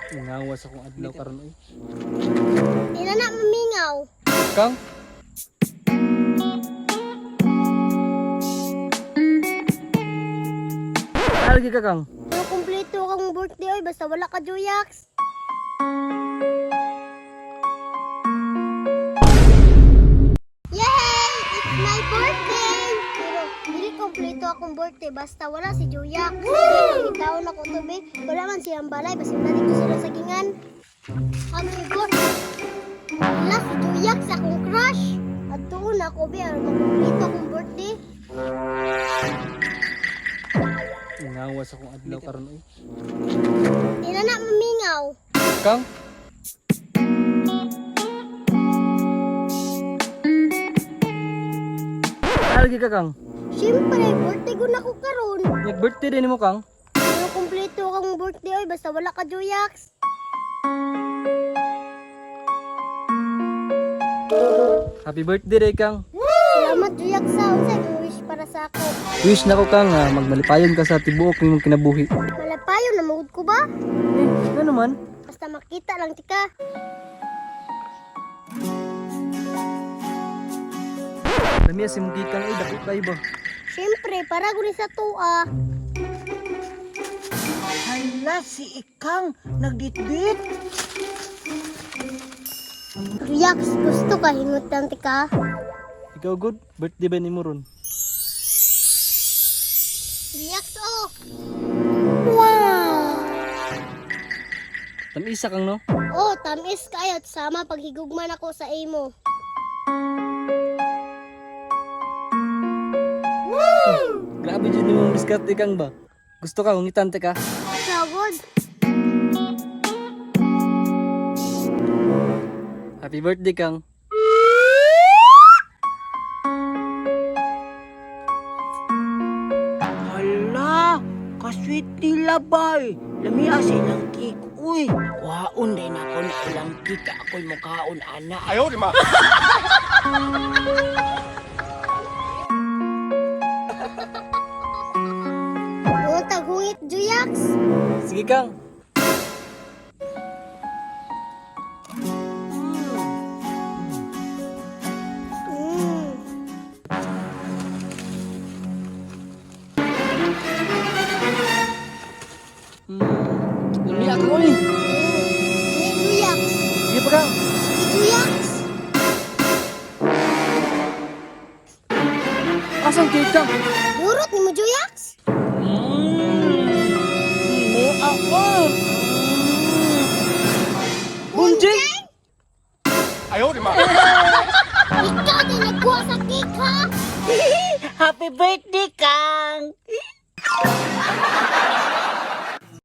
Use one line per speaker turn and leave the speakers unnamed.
Ngawas akong adlaw karon oy.
Ina na mamingaw.
Kang Algi ka kang.
Pero kumpleto kang birthday oy basta wala ka Joyax. Yay! It's my birthday! Pero hindi kumpleto akong birthday basta wala si Joyax. Kasi taon ako to be. Wala man siyang balay basta natin ko sila sa gingan. Happy birthday! Wala si Joyax akong crush. At doon ako be ang kumpleto akong birthday.
Ngawas akong adlaw karon oy.
Ina na mamingaw.
Kang Algi ka kang.
Siyempre, birthday ko na ko karon.
Nag-birthday din mo kang.
Pero kumpleto kang birthday oy basta wala ka Joyax.
Happy birthday day kang.
Salamat Joyax sa unsay kang wish para sa ako.
Wish na ko kang magmalipayon ka sa tibuok nimong kinabuhi.
Malapayo na magud ko ba?
Ano man?
Basta makita lang tika.
Lamiya si mong kikang ay dako kayo ba?
Siyempre, para guni sa tuwa.
Hala, si Ikang, nagditbit.
Joyax, gusto ka hingot lang tika.
Ikaw good? Birthday ba ni mo ron?
Joyax oh. Wow.
Tamisa kang no?
Oh, tamis kayo sama paghigugman ako sa imo.
Grabe dyan yung diskarte kang ba? Gusto ka, hungitan ka?
Sagod.
Happy birthday kang.
Hala, kasweet nila bay. Lamia silang cake. Uy, waon din ako na ilang cake. Ako'y mukhaon, ana.
Ayaw, di ma.
Doon taghungit Joyax.
Sige kang. Lamiya ka ulit.
Ni Joyax.
Sige pa kang.
Ni Joyax.
Asang cake kang?
Burot ni mo Joyax.
Mo ako.
Bunjing!
Ayaw, di ma.
Ikaw din nagkuha sa cake ha.
Happy birthday, Kang.